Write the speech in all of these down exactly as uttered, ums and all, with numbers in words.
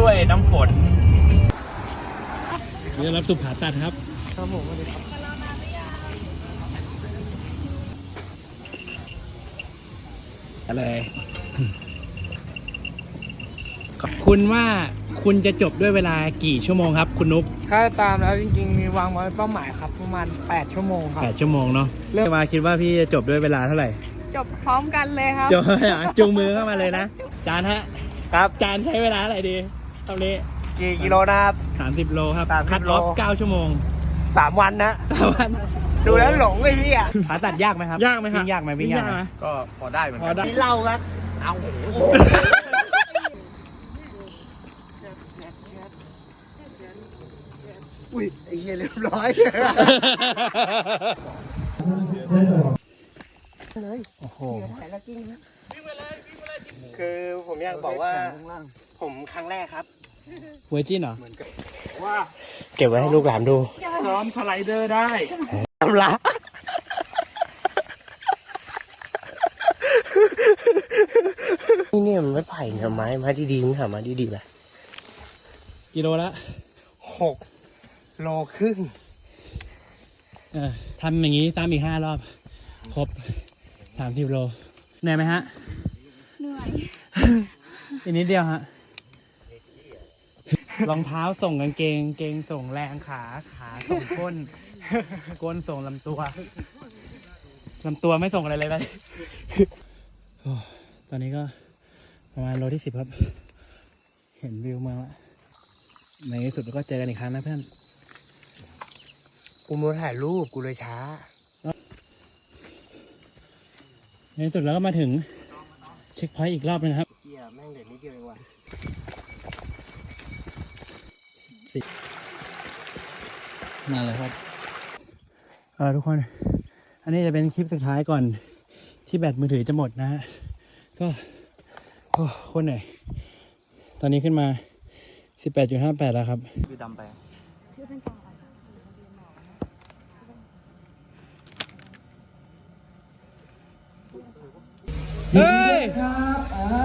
ด้วยน้ำฝนเดี๋ยวรับสุผ่าตัดครับครับผมสวัสดีครับอะไรคุณว่าคุณจะจบด้วยเวลากี่ชั่วโมงครับคุณนุ๊กถ้าตามแล้วจริงๆมีวางไว้เป้าหมายครับประมาณแปดชั่วโมงครับแปดชั่วโมงเนาะเริ่มมาคิดว่าพี่จะจบด้วยเวลาเท่าไหร่จบพร้อมกันเลยครับจบจูงมือเข้ามาเลยนะจานฮะครับจานใช้เวลาอะไรดีตอนนี้กี่กิโลนะครับสามสิบโลครับสามสิบคัดออฟเก้าชั่วโมงสามวันนะสามวันดูแล้วหลงไอ้เหี้ยขาตัดยากไหมครับยากไหมครับวิ่งยากไหมวิ่งยากไหมก็พอได้เหมือนพอกันได้นี่เล่าครับเอาอุ้ยไอ้เหี้ยเรียบร้อยเลยโอ้โหคือผมอยากบอกว่าผมครั้งแรกครับเวอร์จินเหรอว่าเก็บไว้ให้ลูกหลานดูซ้อมสไลเดอร์ได้ทำละนี่เนี่ยมันไม่ไผ่เนี่ยไม้ไม้ดีๆมึงหาไม้ดีๆไปกิโลละหกโลครึ่งเออทำอย่างนี้ซ้ำอีกห้ารอบครบสามสิบโลเหนื่อยไหมฮะเหนื่อยอีกนิดเดียวฮะรองเท้าส่งกางเกงเกงส่งแรงขาขาส่งก้นก้นส่งลำตัวลำตัวไม่ส่งอะไรเลยไปตอนนี้ก็ประมาณโลที่สิบครับเห็นวิวเมืองละในที่สุดก็เจอกันอีกครั้งนะเพื่อนกูมาถ่ายรูปกูเลยช้าในที่สุดแล้วก็มาถึงเช็คพอยต์อีกรอบนึงครับเฮียแม่งเด็ดนิดเดียวเองว่ะนั่นเลยครับเออทุกคนอันนี้จะเป็นคลิปสุดท้ายก่อนที่แบตมือถือจะหมดนะฮะก็โอ้โคตรเหนื่อยตอนนี้ขึ้นมา สิบแปดจุดห้าแปด แล้วครับคือดำไปเฮ้ยครับอ่า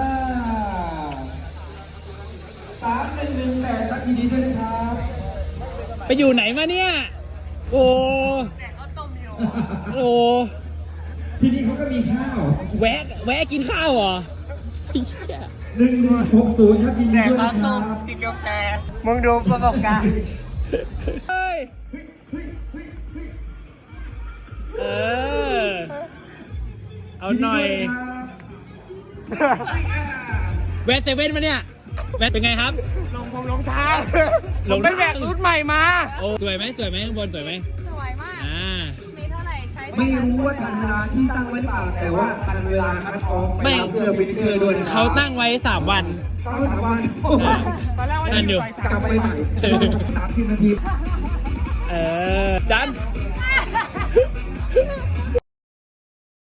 สามหนึ่งหนึ่งแปดครับยินดีด้วยนะครับไปอยู่ไหนมาเนี่ยโอ้โอ้ที่นี่เขาก็มีข้าวแวะแวะกินข้าวเหรอหนึ่งหนึ่งหกศูนย์ครับยินดีด้วยนะครับกินกาแฟมึงดูประสบการณ์เฮ้ยเออเอาหน่อยแวะเซเว่นมาเนี่ยแวะเป็นไงครับลงผมลงทางลงไปแบกรุ่นใหม่มาโอ้สวยไหมสวยไหมข้างบนสวยไหมสวยมากอ่ามีเท่าไหร่ใช้ไม่รู้ว่าทันเวลาที่ตั้งไว้หรือเปล่าแต่ว่าทันเวลาครับทองไม่เสื้อไปเจอด้วยเขาตั้งไว้สามวันตั้งไว้สามวันตอนแรกว่าจะกลับไปใหม่สามสิบนาทีเออจัน